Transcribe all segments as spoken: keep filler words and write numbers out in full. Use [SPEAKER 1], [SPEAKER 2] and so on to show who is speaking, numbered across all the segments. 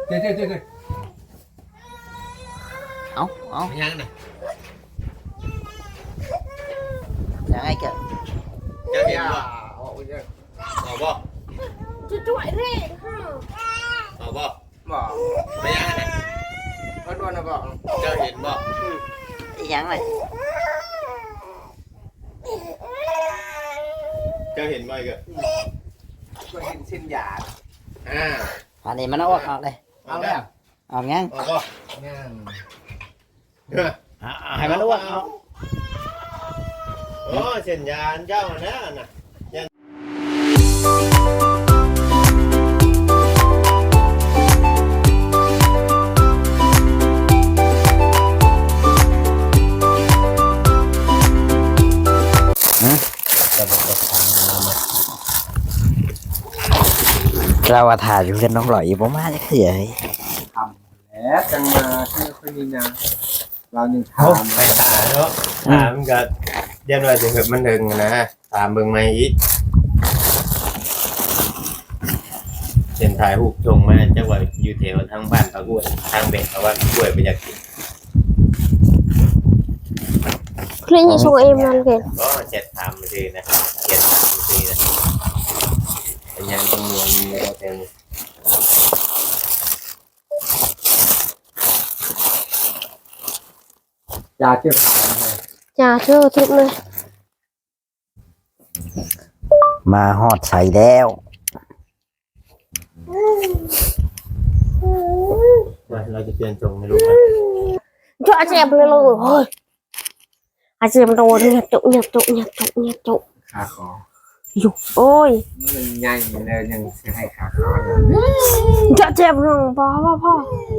[SPEAKER 1] เจ๊เจ๊เจ๊เจ๊
[SPEAKER 2] เอาเอา
[SPEAKER 3] ยังน่ะ
[SPEAKER 2] ยังไงเกิด
[SPEAKER 3] เจ้าเห็นบ่เอาบ่
[SPEAKER 4] จะจ่วยเร่ค่ะ
[SPEAKER 3] เอาบ่
[SPEAKER 1] บ่
[SPEAKER 3] ไม่ยังน่ะ
[SPEAKER 1] เพิ่นว่าน่ะบ่
[SPEAKER 3] เจ้าเห็นบ่
[SPEAKER 2] ยังไง
[SPEAKER 3] เจ้าเห็นบ่อีกอ่ะ
[SPEAKER 1] ก็เห็นเส้นหยาด
[SPEAKER 3] อ่า
[SPEAKER 2] อันนี้มันเอาออกออกเลย
[SPEAKER 1] เอาแล้ว
[SPEAKER 2] ออกยัง
[SPEAKER 3] เอาบ่
[SPEAKER 1] ยัง
[SPEAKER 3] เออ
[SPEAKER 2] ให้มันอ้วกเอา
[SPEAKER 3] โอ้เส้นยานเจ้าน่ะน่ะ
[SPEAKER 2] เราว่าถ่ายอยู่กันน้องหล่อยอยู่ประมาณจะเขียน
[SPEAKER 1] ทำแล้วจังมาที่ค่อยมีนะเรายังทำ
[SPEAKER 3] ไปถ่ายเนาะถามก็เดี๋ยวหน่อยถึงแบบมันถึงนะถามเบิ่งใหม่อีกเส้นถ่ายรูปชงมาจังว่าอยู่แถวทางบ้านปากกล้วยทางเบ็ดเอาว่ากล้วยไปอยากกิน
[SPEAKER 4] คลินิกช่วยเอ็มนั่นเกิน
[SPEAKER 3] ก็เจ็ดถามมาทีนะเจ็ดถามมาทีนะเป็นยังต้องมีมีเราเป็น
[SPEAKER 1] ยาเจ็บขา
[SPEAKER 4] อย่าเชื่อทุกเลย
[SPEAKER 2] มาฮอดใส่แล้ว
[SPEAKER 3] เราจะเปลี่ยนจงไม่รู้ไหม
[SPEAKER 4] ช่วยอาเจียมเลยเลยเฮ้ยอาเจียมโดนเนี่ยจุเนี่ยจุเนี่ยจุเนี่ยจุ
[SPEAKER 1] ขาคอ
[SPEAKER 4] อยู่โอ้ย
[SPEAKER 1] มันใหญ่เลยยังจะให้ขาคอ
[SPEAKER 4] จะเจ็บหนึ่งพ่อพ่อพ่อ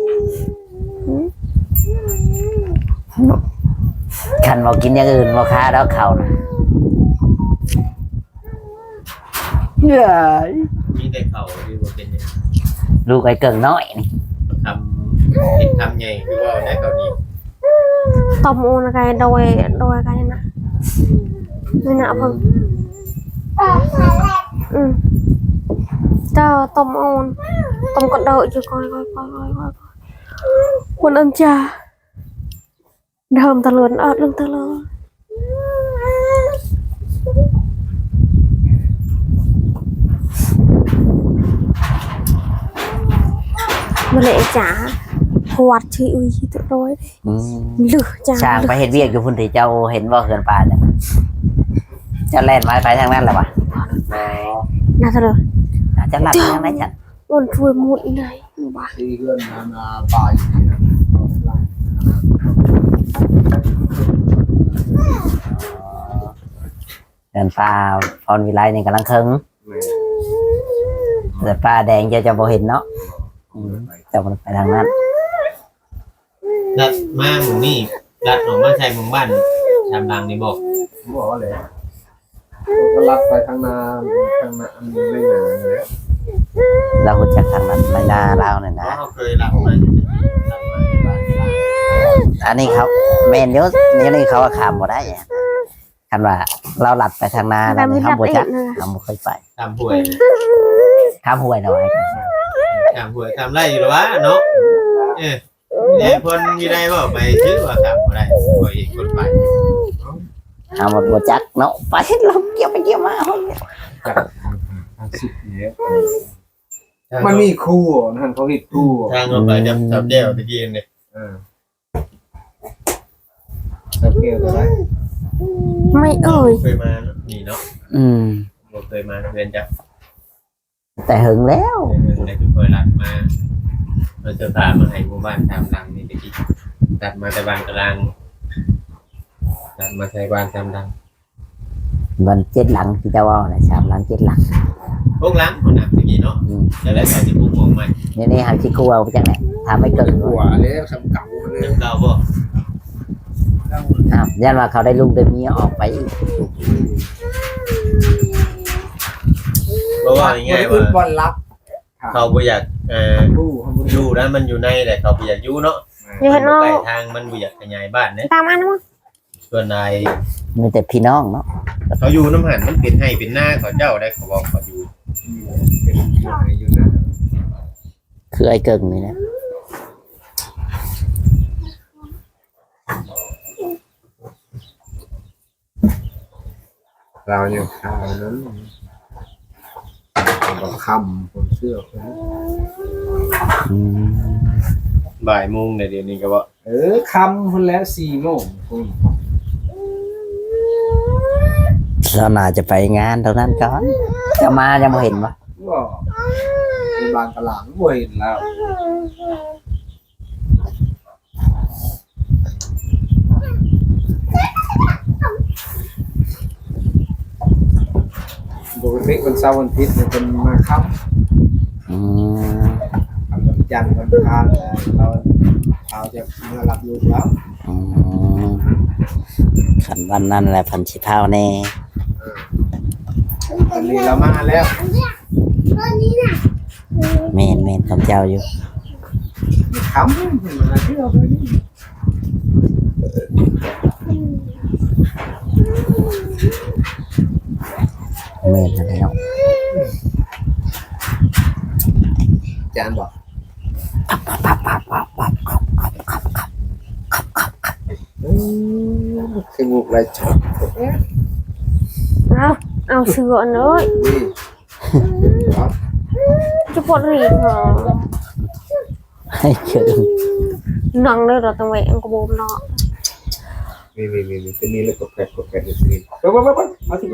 [SPEAKER 2] ขันบอกกินอย่างอื่นบอกค้าแล้วเขานะเฮ้ย
[SPEAKER 3] มีแต่เข่าที่ว่าเป็นยัง
[SPEAKER 2] ลูกไอ้เกิงน้อยนี่
[SPEAKER 3] ทำผิดทำใหญ่คือว่าในเกาหลี
[SPEAKER 4] ตบมูนอะไรโดยโดยอะไรนะไม่น่าเพิ่งอืมเจ้าตบมูนตบกระโดดอยู่คอยคอยคอยคอยคอยคนอันจ่าเดิมตะลุนอดลงตะลุนมาเลยจ๋าหวัดที่อุ้ยตัวร้อยหรือจ้า
[SPEAKER 2] ช่างไปเห็นเวียกอยู่พุ่นที่เจ้าเห็นว่าเกินป่าจ้ะเจ้าแล่นไม้ไปทางนั้นแหละวะ
[SPEAKER 4] น่าจะเลย
[SPEAKER 2] จะหลับทางไหนจ้ะ
[SPEAKER 4] มันช่วยมุดเลยบ้า
[SPEAKER 1] ที่เพื่อนมาปลาย
[SPEAKER 2] เดินป่าพรวิไลนี่กำลังคึงเดินป่าแดงเจ้าจะบ่เห็นเนาะจะมันไปทางนั้น
[SPEAKER 3] ดัดมาหมู่นี่ดัดออกมาใช้หมู่บ้านทำรังนี่บอก
[SPEAKER 1] บอกว่าเลยก็รัดไปทางนาทางนาอันนี้ไม่นานเลย
[SPEAKER 2] เราหุ่นจากทางนั้นไม่น่าเล่าเนี่ยนะ
[SPEAKER 3] เขาเคยรับมารับมาในบ้าน
[SPEAKER 2] อันนี้เขาเมนเยอะนี่นี่เขาขามบ่ได้คันว่าเราหลัดไปทางนาแล้วเขาบ่จักเขาบ่เคยไป
[SPEAKER 3] ทำหวย
[SPEAKER 2] ข้ามห้วยหน่อย
[SPEAKER 3] ทำหวยทำไรอยู่หรอวะเนาะเออเนี่ยคนมีได้บอกไปชื่อว่าทำอะไรหวยคนไป
[SPEAKER 2] เอามาบ่จักเนาะไปลมเกี่ยวไปเกี่ยวมา
[SPEAKER 1] สิบเนี้ยมันมีคู่นั่นเขาเห็นคู่
[SPEAKER 3] ทางเราไปจับจับเดี่ยวตะกี้เนี่ย
[SPEAKER 1] อ่าจับเกี่ยวอะไร
[SPEAKER 4] ไม่เอ่ย
[SPEAKER 3] เคยมานี่เนาะ
[SPEAKER 2] อืม
[SPEAKER 3] เคยมาเรียนจับ
[SPEAKER 2] แต่หึงแล้ว
[SPEAKER 3] ในทุกคนรัดมาเราจะตามมาให้หมู่บ้านทำรังนี่ตะกี้ตัดมาแต่บ้านกลางตัดมาใช้บ้านทำรัง
[SPEAKER 2] มันเจ็ดหลังที่จะว่าน่ะสามหลังเจ็ดหลัง
[SPEAKER 3] พวกล้างคนหนักตะกี้เนาะแต่แล้วแต่ที่พวกมองใหม่
[SPEAKER 2] นี่นี่หันชิคูเอาไปจังไหนทำไม่เกิน
[SPEAKER 1] หัวเลยสำเก่าเลย
[SPEAKER 3] เรื่องเก่าบ่
[SPEAKER 2] อ้าวยันว่าเขาได้ลูกได้เมียออกไปอีก
[SPEAKER 3] เพราะว่าง่ายๆว่า
[SPEAKER 1] บอลรับ
[SPEAKER 3] เขาบ่อยากเอ่อ
[SPEAKER 1] คู่
[SPEAKER 3] อยู่นั้นมันอยู่ในแหละเขาบ่อยากอยู่เนาะ
[SPEAKER 4] อยู่เห็น
[SPEAKER 3] ใก
[SPEAKER 4] เนาะ
[SPEAKER 3] ล้ทางมันบ่อยากขยายบ้านเนี่ย
[SPEAKER 4] ตามมานะมั้ง
[SPEAKER 3] ส่วนนาย
[SPEAKER 2] มีแต่พี่น้องเนาะ
[SPEAKER 3] เขาอยู่น้ำหันมันเป็นให้เป็นหน้าเขาเจ้าได้เขาบอกเขาอยู่
[SPEAKER 1] เป็นอยู่นะ
[SPEAKER 2] คือไอ้เกิงนี่นะ
[SPEAKER 1] เรายังข่าวนั้นบอกคำผมเชื่อคน
[SPEAKER 2] อืม
[SPEAKER 3] บ่ายโมงในเดี๋ยวนี้ก็ว่า
[SPEAKER 1] เออคำคนแล้วสี่โมงคุณ
[SPEAKER 2] เราน่าจะไปงานตรงนั้นก่อนจะมายังไม่เห็นวะ
[SPEAKER 1] ก็ในบางตลาดบ่เห็นแล้วปกติวันเสาร์วันอาทิตย์เนี่ยเป็นมาค่ำ
[SPEAKER 2] อืม
[SPEAKER 1] ทำวันจันทร์วันอังคารแล้วเราเราจะมารับลูกแล้ว
[SPEAKER 2] อืมขันวันนั้นแหละพันชิพาวแน่
[SPEAKER 1] ตอนนี้เรามาแล้ว
[SPEAKER 2] เมนเมนของเจ้าอยู่
[SPEAKER 1] คำมาเที่ยวไปนี่
[SPEAKER 2] เมนอะไรเนาะ
[SPEAKER 1] จานบอกคืองูอะไรชอบ
[SPEAKER 4] เอาเอาเสืออันเลย
[SPEAKER 1] นี่ครับ
[SPEAKER 4] จะปวดหีเหรอ
[SPEAKER 2] ให้เกิง
[SPEAKER 4] นังเลยเราต้องไปอังกบมเนาะ
[SPEAKER 1] นี่นี่นี่นี่เป็นนี่เลยกดแกะกดแกะอยู่นี่ไปไปไปไปมาสิมา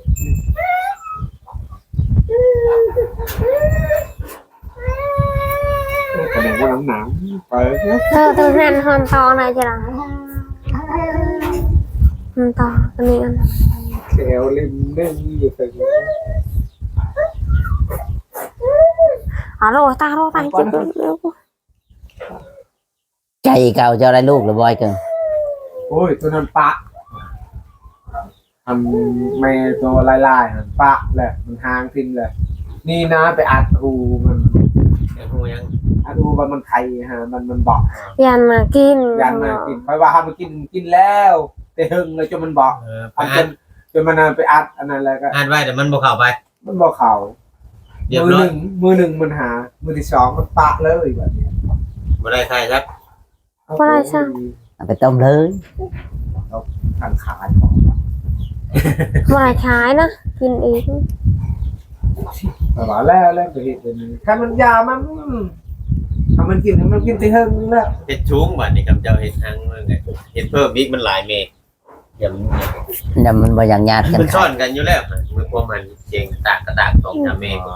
[SPEAKER 1] แสดงว่าน้ำหนาวไป
[SPEAKER 4] เธอตัวนั้นหอนตอไหนจะหลังหอนตอตัวนี้อัน
[SPEAKER 1] แถวริมเน่งอยู่ตรงนี้
[SPEAKER 4] อ๋อโรตาโรตาจิบเร็ว
[SPEAKER 2] ใจเก่าเจ้าได้ลูกหรือบอยเกิง
[SPEAKER 1] โอ้ยตัวนั้นปะทำแม่ตัวลายๆมันปะแหละมันหางทิ้งเลยนี่นะไปอัดหูมัน
[SPEAKER 3] ไอ้หูยัง
[SPEAKER 1] อัดหูมันมันไข่ฮะมันมันบอก
[SPEAKER 4] ยันมากิน
[SPEAKER 1] ยันมากินไปว่าให้มันกินกินแล้วแต่หึงเลยจนมันบอก
[SPEAKER 3] เออไป
[SPEAKER 1] อันจ
[SPEAKER 3] อ่าน
[SPEAKER 1] นจนมันเอาไปอัดอันนั้นแล้วก็
[SPEAKER 3] อ่านไว้แต่มันบ่เข้าไป
[SPEAKER 1] มันบอกเขา
[SPEAKER 3] เรียบ
[SPEAKER 1] มือ
[SPEAKER 3] ร้
[SPEAKER 1] ห
[SPEAKER 3] อย
[SPEAKER 1] นึ่งมือหนึ่งมันหา มือที่สองมันปะเลยแบบนี้
[SPEAKER 3] บ่ได้ใครครับ
[SPEAKER 2] เอาไปต้มเลย
[SPEAKER 1] ทางขายของ
[SPEAKER 4] มาใช้นะกินอีก
[SPEAKER 1] แต่ว่าแล้วแล้วก็เห็นเป็นคันมันยามันทำมันกินให้มันกินที่หึงแล้ว
[SPEAKER 3] เฮ็ดชุ้งบัดนี้กับเจ้าเฮ็ดทางนั่นแหละเฮ็ดเพิ่มอีกมันหลายเมตรอย่ามัน
[SPEAKER 2] เนี่ยมันบ่อย่างญาติกัน
[SPEAKER 3] มันซ่
[SPEAKER 2] ขา
[SPEAKER 3] อย นกันอยู่แล้วมันความมันเจงตากกระตากตรงนะเมฆ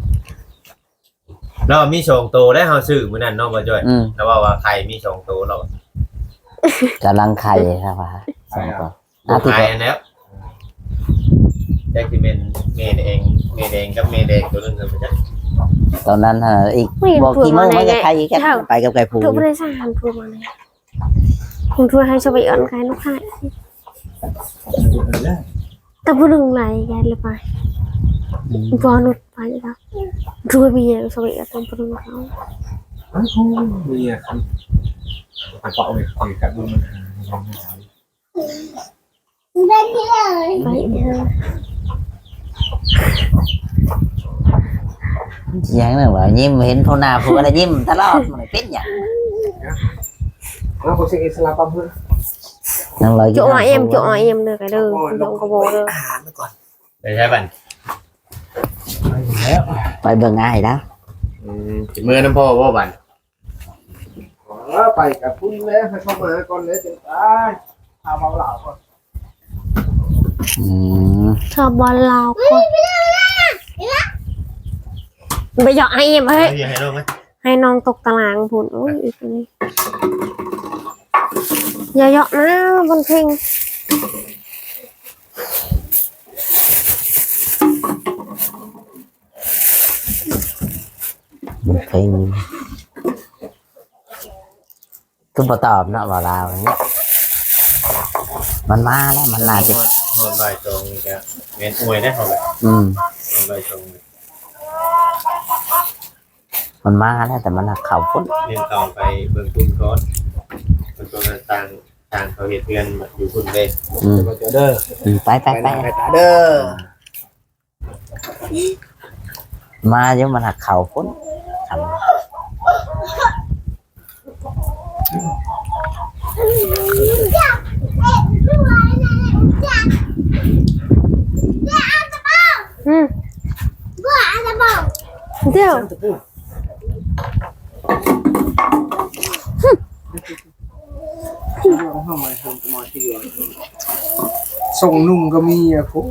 [SPEAKER 3] เรามีสองตัวได้เฮาซื้อมื้อนั้นเนาะบ่จ้อย
[SPEAKER 2] อืม
[SPEAKER 3] แล้วว่าว่าไข่มีสองตัวเรา
[SPEAKER 2] กำลังไข่ครับว่าสองตัว
[SPEAKER 3] บ่
[SPEAKER 2] อาทิตย์
[SPEAKER 3] ไข่
[SPEAKER 2] ก็
[SPEAKER 3] แล้วแจ็คสิเป็นเมดเองเมดเองกับเมดเองตัวนึงกันบ่จ้ะ
[SPEAKER 2] ตอนนั้นเอออีกบอกกี่โมงมันจะไข่อีกกันไปกับไก่ผู
[SPEAKER 4] ทุกบริษัททำทัวร์มาเลยคุณทัวร์ให้ชาวบ้านขายลูกค้าแต่ผู้หนึ่งไหลแกเลยไปตัวนุดไปแล้วทัวร์มีชาวบ้านทำผู้หนึ่งเขา
[SPEAKER 1] อ้าวมีอ่ะครับอ่ะก็เอาไปคุยกับดูมันหาลองหา
[SPEAKER 4] ไปเออ
[SPEAKER 2] ยังนึงว่ายิ้มเห็นผู้หน้าผู้อะไรยิ้มตลอดมันเป็นอย่าง
[SPEAKER 1] แล้วผมเช็คอิสลามปั๊มเพื่อน
[SPEAKER 2] นั่งรอ
[SPEAKER 4] chỗ ngoại em chỗ ngoại em được cái đường không có bố được
[SPEAKER 3] ได้ใช่บัด
[SPEAKER 1] ไปแล้ว
[SPEAKER 2] ไปเบิ่งอ้ายแล้ว
[SPEAKER 3] อืมสิมื้อน้ำพ่อบ่บัด
[SPEAKER 1] ไปกับคุณแล้วให้เข้ามาก่อนเลยจะตายเอาเบาเหล่าก่อน
[SPEAKER 2] อืม
[SPEAKER 4] cho bò lao con bây giờ ai em
[SPEAKER 3] เอา
[SPEAKER 4] ấy
[SPEAKER 3] อยู่ให้ลูกมั้ย
[SPEAKER 4] hai non tục tà làng buồn ôi ít này giờ dọn nó con khinh
[SPEAKER 2] มันเคยมีคือบ่ตอบเนาะว่าลาวอย่างเงี้ยมันมาแล้วมันน่าจะ
[SPEAKER 3] ฮอดบ่ายตรงนี่ก็เวียนอวยได้เฮาแบบ
[SPEAKER 2] อืม
[SPEAKER 3] ฮอดบ่ายตรง
[SPEAKER 2] มันมาแล้วแต่มันหักเข่าพุ่น
[SPEAKER 3] เรียนต่อไปเบิ่งคุณก่อนเบิ่งตัวต่างต่างเขาเฮ็ดเรือนอยู่พุ่นเด้
[SPEAKER 2] อืม
[SPEAKER 1] ไปเจอเด้อ
[SPEAKER 2] อืมไปไป
[SPEAKER 1] ไป
[SPEAKER 2] ไป
[SPEAKER 1] ไปตาเด้อ
[SPEAKER 2] มาเดี๋ยวมันหักเข่าพุ่นท
[SPEAKER 4] เดี๋ยว
[SPEAKER 1] ส่งนุ่งก็มีอะคุ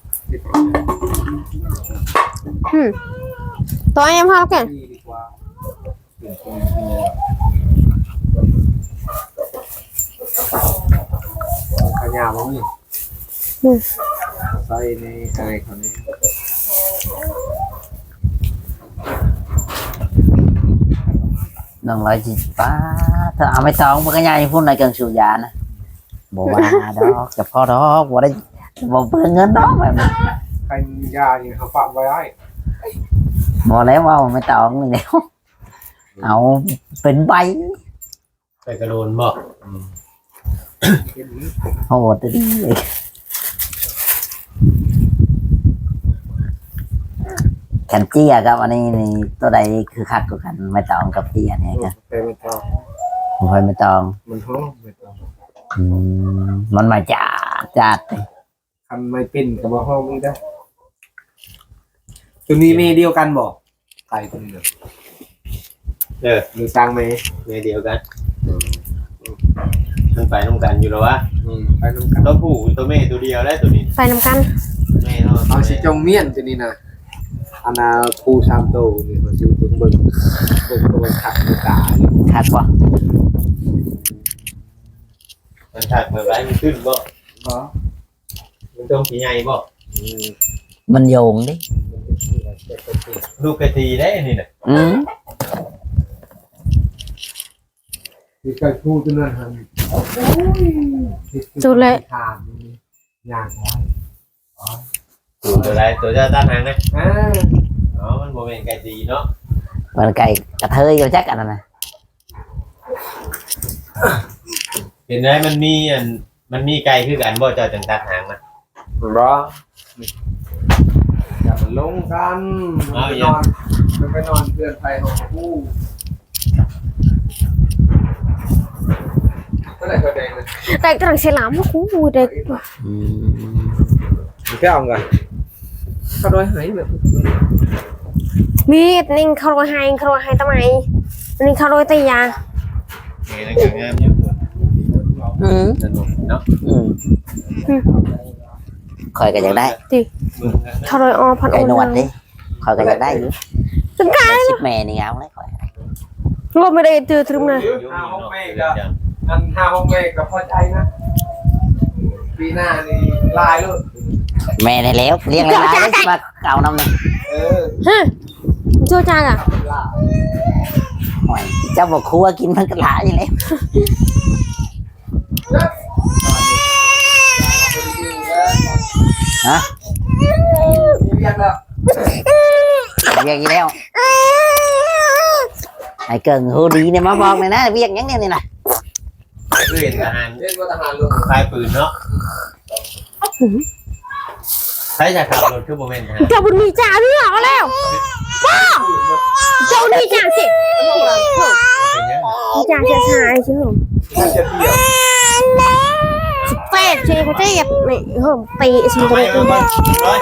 [SPEAKER 4] อืมตัวยังพอแล้วกัน
[SPEAKER 1] ดีดีกว่าขยาบ้างนี่ใส่ในอะไรเขาเนี่ย
[SPEAKER 2] น้องร้อยจีป้าเธอเอาไม่ต้องมันก็ยายพูดในเกิงสูยานะบอกว่าดอกกับพ่อดอกบอกได้บอกเพิ่งเงินดอกแบบ
[SPEAKER 1] ใครมียาเนี่ยเขาฝากไว้ให้
[SPEAKER 2] บอกแล้วว่าไม่ต้องเลยแล้วเอาเป็นใบ
[SPEAKER 3] ไปกระโดนบ่
[SPEAKER 2] โหดดิแขนเจี้ยครับอันนี้นี่ตัวใดคือคักกว่ากันไม่ต้องกับเจี้ยเนี่ยครับ
[SPEAKER 1] แต่ไม่ต้อง
[SPEAKER 2] ผมคอยไม่ต้อง
[SPEAKER 1] มันห้องไม่ต้อง
[SPEAKER 2] อืมมันมาจัดจัด
[SPEAKER 1] ทำไม่เป็นกับว่าห้องไม่ได้ตัวนี้เมเดียวกันบอกไก่ตัวนี้
[SPEAKER 3] เออ
[SPEAKER 1] หรือสร้างไหม
[SPEAKER 3] เมียเดียวกันมันไปน้ำกันอยู่แล้ววะ
[SPEAKER 1] อืมไปน้ำกัน
[SPEAKER 3] ตัวผู้ตัวแม่ตัวเดียวได้ตัวนี้
[SPEAKER 4] ไปนำกัน
[SPEAKER 3] แม่เนาะ
[SPEAKER 1] เอาสิจงเมียนตัวนี้นะอันนาคูชามโตนี่มันจะเป็นเบิ่งเบิ่งตัวขัดมือตาอยู่
[SPEAKER 2] คักวะ
[SPEAKER 3] มันถักเมื่อไรมันขึ้นบ่
[SPEAKER 1] ก็
[SPEAKER 3] มันต้องสีใหญ่บ่
[SPEAKER 1] อืม
[SPEAKER 2] มันโยงดิ
[SPEAKER 3] ลูกกระทีได้นี่น่ะ
[SPEAKER 2] อืม
[SPEAKER 1] มีการพูดตัวนั้นฮัน
[SPEAKER 4] จุดเลย
[SPEAKER 1] ทานยากไว้
[SPEAKER 3] ตัวตัวใดตัวเจ้าตั้งหางนะ
[SPEAKER 1] อ่า
[SPEAKER 3] อ๋อมันโมเมนต์กระทีเนาะ
[SPEAKER 2] มันไก่กระเทยอยู่จักอันนั้นนะ
[SPEAKER 3] เห็นไหมมันมีอันมันมีไก่คือกันบ่เจ้าจังตัดหางมัน
[SPEAKER 1] รออย่ามาลงกันมันไปนอนมันไปนอนเพื่อนไทยของผู้เมื่อไหร่ก็แดงเลย
[SPEAKER 4] แต่กำลังเสียหลามว่ากูเด็ก
[SPEAKER 2] อืม
[SPEAKER 1] มีแค่เอาไงเขาโดยหายแบบ
[SPEAKER 4] มีดนิ่งเขาโรยให้เขาโรยให้ทำไมนิ่งเขาโรยตียา
[SPEAKER 3] เห็นแล้วก็งามอยู่
[SPEAKER 2] อืม
[SPEAKER 3] สนุกเนาะ
[SPEAKER 2] อืมคอยก็อยากได้
[SPEAKER 3] มึง
[SPEAKER 4] เขาโรยออพัน
[SPEAKER 2] ไก่
[SPEAKER 4] โอน
[SPEAKER 2] วดดิคอยก็อยากได้อยู่
[SPEAKER 4] ถึงกัน
[SPEAKER 2] ชิปแม่นี่เอาเลยคอย
[SPEAKER 4] รวมไม่ได้ตือถึงนะ
[SPEAKER 1] ห้าห้องเมฆกับอันห้าห้องเมฆกับพ่อใจนะปีหน้านี่ลายลูก
[SPEAKER 2] แม่ได้แล้วเลี้ยงหลายๆเลยมาเก่าน้ำหนึ่ง
[SPEAKER 1] เออ
[SPEAKER 4] ฮะเจ้าจ้างอ่ะ
[SPEAKER 1] ลาย
[SPEAKER 2] หอยเจ้าบอกครัวกินมันก็หลายอยู่แล้วฮะ
[SPEAKER 1] เรียกแล้ว
[SPEAKER 2] เรียกอีกแล้วไอ้เกิงฮูดีเนี่ยมาบอกเลยนะเรียกยังเนี่ยนี่นะ
[SPEAKER 3] คือเห็นทหาร
[SPEAKER 1] เรียกว่าทหารลูก
[SPEAKER 3] คลายปืนเนาะใช้จากขับรถคือโมเมนต์ฮะ
[SPEAKER 4] เจ้าบุญมีจ่าพี่เหรอแล้วเจ้านี่จ่าสิ
[SPEAKER 3] เป็นยัง
[SPEAKER 4] มีจ่าเสียชายใช่ไหม
[SPEAKER 1] มันจะเดี่ยว
[SPEAKER 4] สิบแปดใช่เขาจะแบบนี่เฮ้ยปีสิบ
[SPEAKER 3] เอา
[SPEAKER 4] แป
[SPEAKER 3] ไป
[SPEAKER 4] ด
[SPEAKER 3] เอาไปร้อย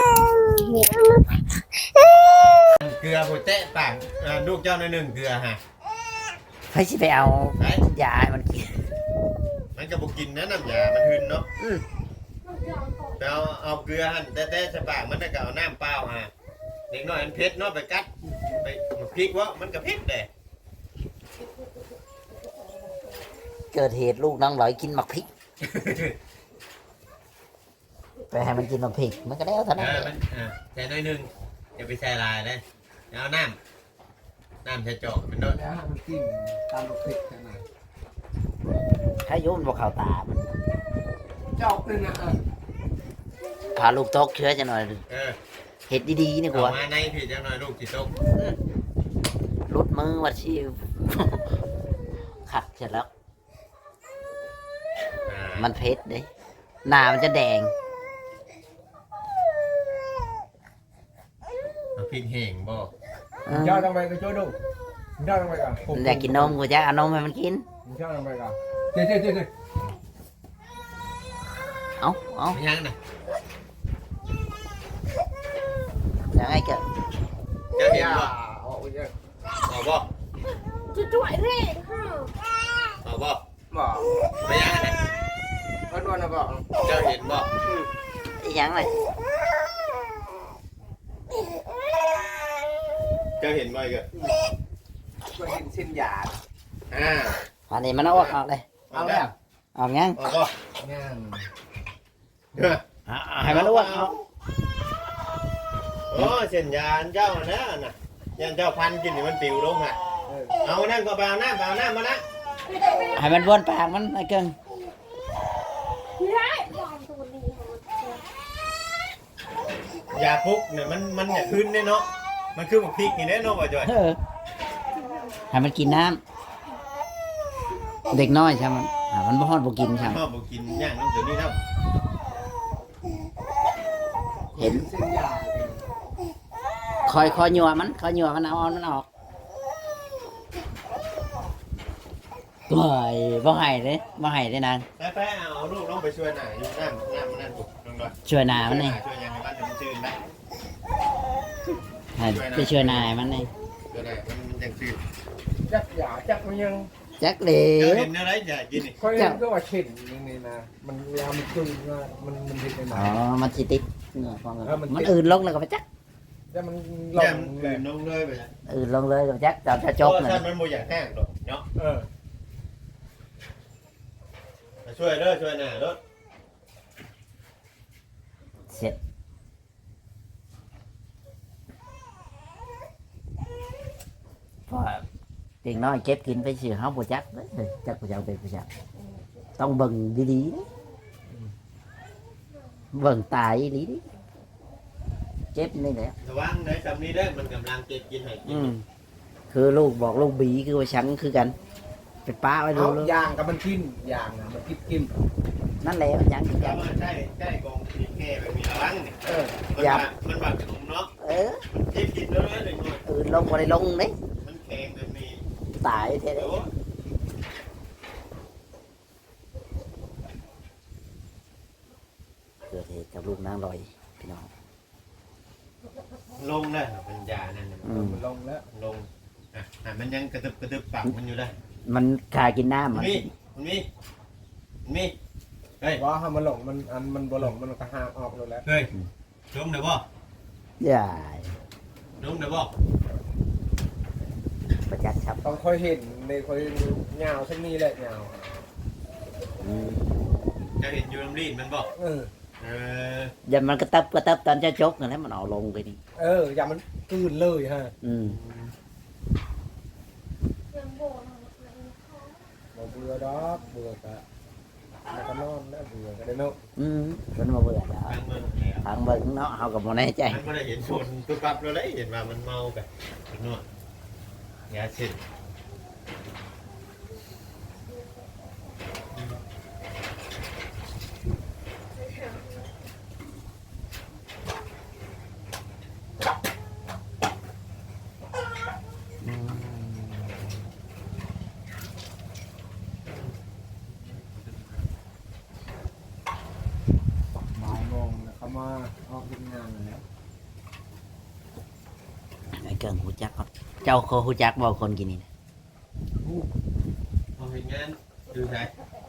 [SPEAKER 3] เกลือหัวเจ๊ปากอ่าลูกเจ้าในหนึ่งเกลือฮะ
[SPEAKER 2] ใครจะไปเอา
[SPEAKER 3] ไหน
[SPEAKER 2] ยาให้มันกิน
[SPEAKER 3] มันก็บุกินนะน้ำยามันหึนเนาะไปเอาเอาเกลือหั่นแต่แต่ใส่ปากมันน่ะก็เอาน้ำเปล่าฮะเด็กน้อยมันเผ็ดเนาะไปกัดไปพริกวะมันก็เผ็ดเลย
[SPEAKER 2] เกิดเหตุลูกน้องหลอยกินหมักพริกไปให้มันกินหมักพริกมันก็แล้วเท่า
[SPEAKER 3] เอ
[SPEAKER 2] นั้น
[SPEAKER 3] อมันอ่าใส่น้อยหนึงอย่าไปใส่ลายเลยเอาน้ำน้ำใส่จอกมันเนาะ
[SPEAKER 1] แล้วมันกินตามลูกติดแค่ไหน
[SPEAKER 2] ถ้ายุ่นบอกข่าวตามัน
[SPEAKER 1] เจ้าเป็นนะ
[SPEAKER 2] พาลูกตกเชื้อจะหน่อย
[SPEAKER 3] เออ
[SPEAKER 2] เห็ดดีๆนี่ก
[SPEAKER 3] เอา
[SPEAKER 2] ว่า
[SPEAKER 3] มาในพี่จังหน่อยลูกสิตก
[SPEAKER 2] รุดมือวัดชิว ขัดเสร็จแล้ว
[SPEAKER 3] อ่า
[SPEAKER 2] มันเพชรเด้หน้ามันจะแดง
[SPEAKER 3] เอาพริกแห้งบ่
[SPEAKER 2] เออ
[SPEAKER 1] เจ้าต้องไปกับโจ้ดูเจ้าต้องไปกับ
[SPEAKER 2] มันอยากกินนมกูจะเอานมให้มันกิน
[SPEAKER 1] เจ้าต้องไปกับเจ๊เจ๊เจ๊เจ๊
[SPEAKER 2] เอาเอา
[SPEAKER 3] ไม่ยังนะ
[SPEAKER 2] อย่างไงเกิด
[SPEAKER 3] เจ้าเห็นบ่
[SPEAKER 1] โอ้ย
[SPEAKER 3] เอาบ่
[SPEAKER 4] จะจ่วยเร่ฮะ
[SPEAKER 3] เอาบ่
[SPEAKER 1] บอก
[SPEAKER 3] ไม่ยังนะ
[SPEAKER 1] เพิ่นว่าน่ะบอก
[SPEAKER 3] เจ้าเห็นบ่
[SPEAKER 2] อีหยังเลย
[SPEAKER 3] เจ้าเห็นบ่อีกอะ
[SPEAKER 1] ก็เห็นเส้นหยาด
[SPEAKER 3] อ่า
[SPEAKER 2] อันนี้มันเอาออกออกเลย
[SPEAKER 1] เอาแล้ว
[SPEAKER 2] ออกยัง
[SPEAKER 3] เอาบ่
[SPEAKER 1] ย่าง
[SPEAKER 3] เด้อ
[SPEAKER 2] อ่ะเอาให้มันอ้วกเอา
[SPEAKER 3] โอ้เส้นยานเจ้านะน่ะยันเจ้าพันกินนี่มันปิวลงอ่ะ
[SPEAKER 1] เออ
[SPEAKER 3] เอานั่นก็ไปเอาน้ำไปเอาน้ำมานะ
[SPEAKER 2] ให้มันวนปากมันไอ้เกิง
[SPEAKER 4] ไม่ได้วางตัวนี้
[SPEAKER 3] ยาพุกเนี่ยมันมันอย่าขึ้นเนี่ยเนาะมันคือหมกพริกนี่แน่เนาะบ่จ่อย
[SPEAKER 2] เออให้มันกินน้ำเด็กน้อยใช่ไหมยอ่ะมันบ่ฮอดบ่กินใช่ไหม
[SPEAKER 3] พ่อบ่กินย่างน้ำตัวนี้ครับ
[SPEAKER 2] เห็น
[SPEAKER 1] เส้นหยาด
[SPEAKER 2] คอยคอยยัวมันคอยยัวมันเอาเอามันออกโอ้ยบ่ให้เด้บ่ให้เด้นาง
[SPEAKER 3] ไปไปเอาลูกน้องไปช่วยหน่อยอยู่น้ำน้ำมันนั่นปุ๊บลงด้วย
[SPEAKER 2] ช่วยหนามันนี่
[SPEAKER 3] ช่วยยังไงบ้านจะมันชื่นได้
[SPEAKER 2] ให้ไปช่วยนายมันนี่
[SPEAKER 3] ช่วยหน่อยมันยังชื่น
[SPEAKER 1] จักหยาจักมันยัง
[SPEAKER 2] จักเหล
[SPEAKER 3] เจ้าว เห็นอะไรอย่ากินนี่
[SPEAKER 1] ค่อยเห็นก็ว่าเช่นนี่นี่นะมันเวลามันตึงว่ามันมันเห็นได้ไหม
[SPEAKER 2] อ๋อมันสิติดเนื้อของมัน
[SPEAKER 1] เออมันติด
[SPEAKER 2] มันอื่นลงแล้วก็ไปจัก
[SPEAKER 1] แต่มันล
[SPEAKER 3] แก้
[SPEAKER 1] ง
[SPEAKER 3] ม
[SPEAKER 1] เล
[SPEAKER 3] อื่
[SPEAKER 1] ย
[SPEAKER 3] นลงเลยไป
[SPEAKER 2] อื่นลงเลยก็ไปจักจอดจะจบ
[SPEAKER 3] เพ
[SPEAKER 2] เล
[SPEAKER 3] ราะ
[SPEAKER 2] ย
[SPEAKER 3] ถ้ามันบ่อยากแห้งหรอกเนาะ
[SPEAKER 1] เออ
[SPEAKER 3] ช่วยเด้อช่วยหน่อยรถ
[SPEAKER 2] เสร็จพอเด็กน้อยเก็บกินไปเสือเฮาบ่จักเด้อจักบ่จักเป็นบ่จักต้องเบิ่งดีๆเด้อเบิ่งตายดีดิเจ็บนี่แหละ
[SPEAKER 3] ระวังในสำนี้ได้อมันกำลังเก็บกินให้กิน
[SPEAKER 2] อืมคือลูกบอกลูกบีคือว่าฉันคือกันไปป้าไว้ดู
[SPEAKER 1] เอา
[SPEAKER 2] ลูก
[SPEAKER 1] ยางกับมันกินยางนะมันกินกิน
[SPEAKER 2] นั่นแหละยัง
[SPEAKER 3] เพ
[SPEAKER 2] ยั
[SPEAKER 3] ราะ
[SPEAKER 2] ง
[SPEAKER 3] ว่าใช่ใช่กองทีแค่แบบมีระวังนี่
[SPEAKER 1] เออ
[SPEAKER 3] มันบาดมันบาดขนมเนาะ
[SPEAKER 2] เออ
[SPEAKER 3] เก็บกินแล้วเลยหนึ่งหน่อย
[SPEAKER 2] อื่นลงบ่ได้ลงเด้
[SPEAKER 3] มันแข็งแบบนี้
[SPEAKER 2] ตายแท้
[SPEAKER 3] โอ้
[SPEAKER 2] ๆเกิดเหตุกับลูกนางลอยพี่น้อง
[SPEAKER 3] ลงเลยเป็นยานั่นน่ะ
[SPEAKER 2] อืม
[SPEAKER 1] มันลงแล้ว
[SPEAKER 3] ลงอ่ะอ่ะมันยังกระตึบกระตึบปากมันอยู่ได้
[SPEAKER 2] มันขากินน้ำ
[SPEAKER 3] มั
[SPEAKER 2] มัน น
[SPEAKER 3] มีมันมีมันมีเฮ้ย
[SPEAKER 1] ว่าถ้ามันหลงมันอันมันบ่หลงมันก็ห่างออกแล้ว
[SPEAKER 3] เฮ้ยลงเดี๋ยวบ่
[SPEAKER 2] อย่า
[SPEAKER 3] ลงเดี๋ยวบ่
[SPEAKER 2] ประจักษ์ครับ
[SPEAKER 1] ต้องค่อยเห็นในค่อยยาวเช่นนี้แหละยาว
[SPEAKER 2] อืม
[SPEAKER 3] จะเห็นยูน้ำรีดมันบ่
[SPEAKER 1] เออ
[SPEAKER 3] เออ
[SPEAKER 2] อย่ามันกระตับกระตับตอนเจะจกนั่นแหละมันเอาลงไปนี่
[SPEAKER 1] เอออย่ามันกลืนเลยฮะ
[SPEAKER 2] อืม
[SPEAKER 4] ยังโบน
[SPEAKER 1] บ่เบื่อดอกเบื่อก็แล้วก็นอนแล้วเบื่อก็ได้เนาะ
[SPEAKER 2] อืมมันมาเบื่อแล้ว
[SPEAKER 3] ทางเมืองแล้ว
[SPEAKER 2] ทางเบิ่งเนาะเฮาก็บ่แน่ใจ
[SPEAKER 3] มันไม่ได้เห็นชนตัวกลับเราได้เห็นว่ามันเมากันนวดยาเช็ด
[SPEAKER 2] อืม
[SPEAKER 1] บ่ายโมงแล้วเขามาออกทำงานแล้ว
[SPEAKER 2] ไอ้เกิงฮู้จักครับเจ้าเคยฮู้จักบ่คนกินนี่นะ
[SPEAKER 3] พอเห็นงานดูใช่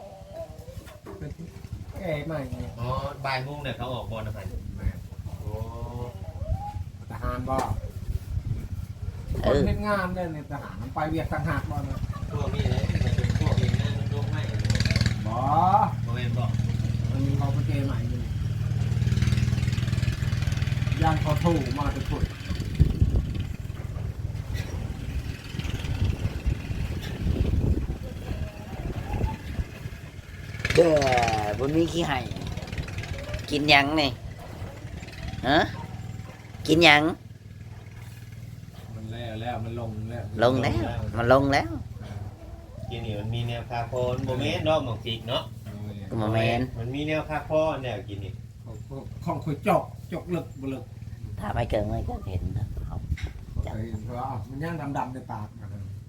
[SPEAKER 1] แก่ใหม่เนี่ย
[SPEAKER 3] อ๋อบ่ายโมงเนี่ยเขาออกบอลนะครับโอ้
[SPEAKER 1] ทหารบ่
[SPEAKER 2] เอ
[SPEAKER 1] คน
[SPEAKER 2] อ
[SPEAKER 1] เฮ็ดงานเนี่ยในทหารมันไปเวียกต่างหากบ่นะ
[SPEAKER 3] พวกนี้เลยมันเป็นพวกเห็นงานมันลงไม่
[SPEAKER 1] บ่
[SPEAKER 3] โมเห็นบอก
[SPEAKER 1] มันมีเขาเป็นเกใหม่อยู่ย่างเขาถูมาทุกคน
[SPEAKER 2] เด้อบนมีขี้ไห่กินหยังนี่ฮะกินหยัง
[SPEAKER 1] มันแล้วแล้วมันลงแล้ว
[SPEAKER 2] ลงแล้ว มันลงแล้ว
[SPEAKER 3] กินนี่มันมีแนวคาโคนโมเมนต์ดอกหมอกจิกเนาะ
[SPEAKER 2] ก็มาแมน
[SPEAKER 3] มันมีแนวคาโคแนวกินนี่
[SPEAKER 1] ของของคุยจกจกลึกบ่ลึก
[SPEAKER 2] ถ้าไม่เกินไม่เกินเห็นนะเอา
[SPEAKER 1] เคยเห็นเพราะว่าอ้าวมันย่างดำๆในปากมัน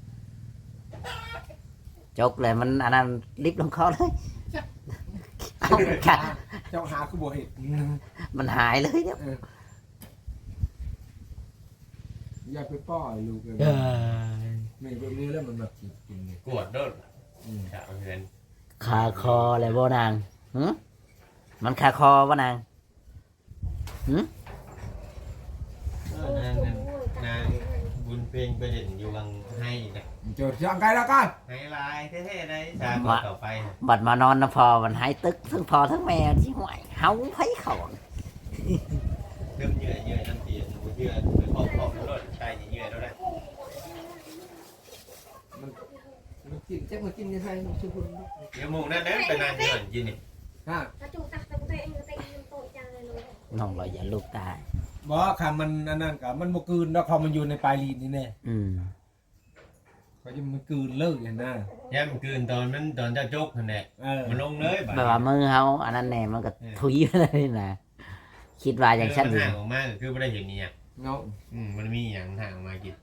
[SPEAKER 2] จกเลยมันอันนั้นลิฟต์ลงคอเลยเอาค่ะ
[SPEAKER 1] เจ้าหาคือบ่เห็น
[SPEAKER 2] มันหายเลยเนี่ย
[SPEAKER 1] เอออย่าไปป้อยลูกเลย
[SPEAKER 2] เออ
[SPEAKER 1] มีแบบนี้แล้วมันแบบกินกินเนี่ย
[SPEAKER 3] กวดโดด
[SPEAKER 1] อืม
[SPEAKER 3] ขาวเงิน
[SPEAKER 2] คาคออะไรบ่นางหืมันคาคอบ่นางหื
[SPEAKER 3] เออนางนั่นนางบุญเพลงไปเด่นอยู่วังให้นะ
[SPEAKER 1] โจทย์ยังไงแล้วกัน
[SPEAKER 3] ให้ลายเท่ๆได้ชาต่อไป
[SPEAKER 2] บัดมานอนนะพอมันหายตึกทั้งพอทั้งแม่ที่ห่วยเฮาไผเขา
[SPEAKER 3] เริ่มเหนื่อยเหนื่อยน้ำเตียนเหนื่อยไปขอบขอบรถใจเหนื่อยแล้วได้
[SPEAKER 1] มันกินแจ็คมันกินยังไงมันชื่อคุณ
[SPEAKER 3] เดี๋ยวโมงนั้นนั้นไปนานเหนื่อยกินนี่
[SPEAKER 1] ฮะ
[SPEAKER 4] ถ้าจูตักตักเตะเตะโตจังเลยเลย
[SPEAKER 2] น้องเราอย่าลูกตาย
[SPEAKER 1] บอกคำมันอันนั้นกับมันบกืนแล้วพอมันอยู่ในปลายลีนนี่แน่
[SPEAKER 2] อืม
[SPEAKER 1] เขาจะมันกืนเลิกอย่างนั้น
[SPEAKER 3] ย่ำคืนตอนนั้นตอนเจ้าจกนั่นแหละ
[SPEAKER 1] เออ
[SPEAKER 3] มันลงเลย
[SPEAKER 2] แบบว่ามือเฮาอันนั้นแน่มันก็ทุยไปเลยนะคิดว่าอย่างฉัน
[SPEAKER 3] มัน
[SPEAKER 2] อยู่
[SPEAKER 3] ห่างออกมาคือไม่ได้เห็นนี่อ่ะ
[SPEAKER 1] เงา
[SPEAKER 3] อืมมันมีอย่างห่างออกมากิน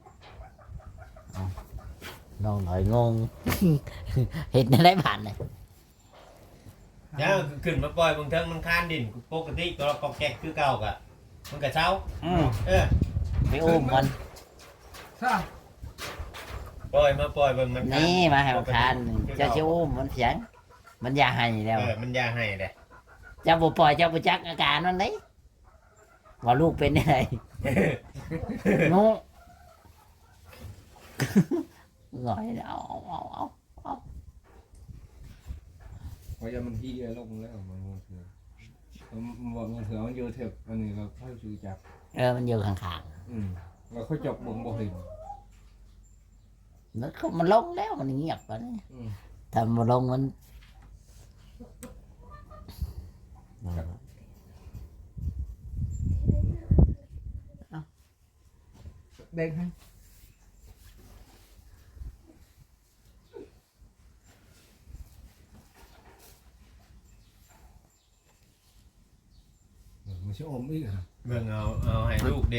[SPEAKER 2] น้องหน่อยงง เห็นได้ผ่านเลย
[SPEAKER 3] ย่าขึ้นมาปล่อยบางเทิงมันคานดินปกติตัวกอกแกกคือเก่ากะมันกะเช้า
[SPEAKER 2] อืม
[SPEAKER 3] เออ
[SPEAKER 2] ไปอุ้มมัน
[SPEAKER 1] ซ่า
[SPEAKER 3] ปล่อยมาปล่อยบางมัน
[SPEAKER 2] นี่มาให้มันคานเจ้าชิอุ้มมันเสียง มันอยาให้แล้ว
[SPEAKER 3] เออมันยาให้เลย
[SPEAKER 2] เจ้าบ่ปล่อยเจ้าบ่จักอาการมันเลยว่าลูกเป็นยังไง งูหน่อยเอาเอาเอาเอาเอา
[SPEAKER 1] เพราะจะมันที่ลงแล้วมันมันเถื่อนมันบอกมันเถื่อนมันเยอะเถอะอันนี้เราค่อยซื้อจับ
[SPEAKER 2] เออมันอยู่ข้าง
[SPEAKER 1] อืมเราค่อยจบบ่งบ่เห็น
[SPEAKER 2] ๆมันก็มันลงแล้วมันเงียบไปเลย
[SPEAKER 1] อืม
[SPEAKER 2] ถ้ามันลงมัน
[SPEAKER 1] เด้งให้มันจะอมอีกฮะ
[SPEAKER 3] เบิ่งเอาเอาให้ลูกเด็ก